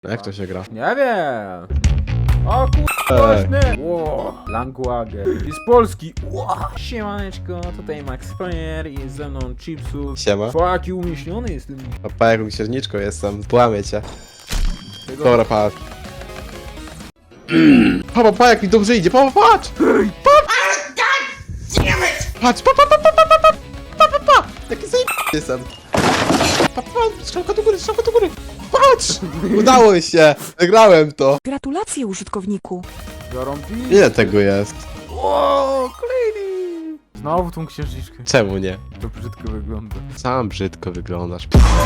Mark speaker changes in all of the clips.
Speaker 1: No jak to się gra?
Speaker 2: Nie wiem. O głośny! Ło, Langwager. I z Polski. Ło. Siemaneczko, tutaj Max Player i ze mną Chipsu.
Speaker 1: Siema.
Speaker 2: Jaki umieśniony jestem.
Speaker 1: Papa, jaką księżniczką jestem. Połamię cię.
Speaker 2: Tego...
Speaker 1: Dobra, patrz. Papa, jak mi dobrze idzie. Papa, patrz! Patrz, pa! Jaki zajebany jestem. Pa, strzałka do góry, strzałka do góry. Patrz! Udało się! Wygrałem to.
Speaker 3: Gratulacje, użytkowniku.
Speaker 2: Biorą pi.
Speaker 1: Ile tego jest?
Speaker 2: O, kolejny! Znowu tą księżniczkę.
Speaker 1: Czemu nie?
Speaker 2: To brzydko wygląda.
Speaker 1: Sam brzydko wyglądasz.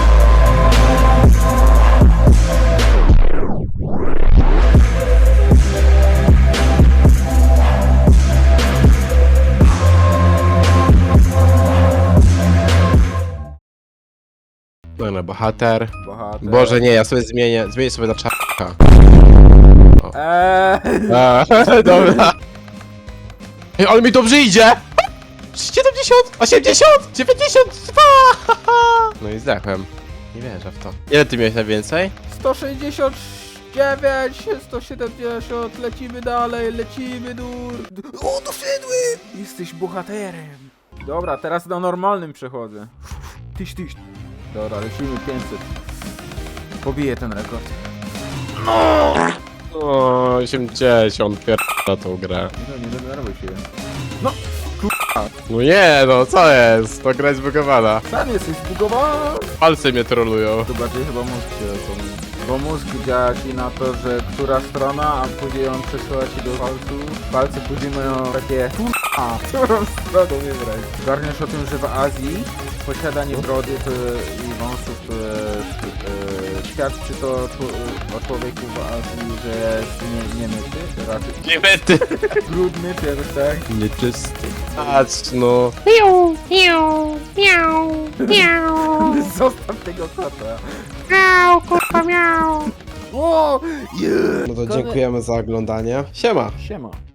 Speaker 1: Dobra, bohater.
Speaker 2: Bohater.
Speaker 1: Boże nie, ja sobie zmienię sobie na czarka. Dobra. Ej, ale mi dobrze idzie! 70, 80, 92! No i zdechłem. Nie wierzę w to. Ile ty miałeś najwięcej?
Speaker 2: 169, 170, lecimy dalej, lecimy O, doszedłem! Jesteś bohaterem. Dobra, teraz na normalnym przechodzę. Tyś. Dobra, lecimy 500. Pobiję ten rekord.
Speaker 1: O, 80, na tą grę.
Speaker 2: Nie denerwuj się.
Speaker 1: No nie, no co jest? To gra jest zbugowana.
Speaker 2: Sam jesteś zbugowany.
Speaker 1: Palce mnie trolują.
Speaker 2: To bardziej chyba mózg się zapomni. Bo mózg działa ci na to, że która strona, a później on przesyła ci do palców. Palce później mają takie którą stronę wybrać. Garniesz o tym, że w Azji posiadanie brody i wąsów świadczy to o człowieku w Azji, że jest niemyty, raczej
Speaker 1: Nie mety.
Speaker 2: brudny czy jakoś tak.
Speaker 1: Nieczysty. Patrz no.
Speaker 4: Miau, miau, miau, miau,
Speaker 2: Zostaw tego kota.
Speaker 4: miau, kurwa, miau.
Speaker 2: O! Yeah.
Speaker 1: No to dziękujemy za oglądanie. Siema.
Speaker 2: Siema.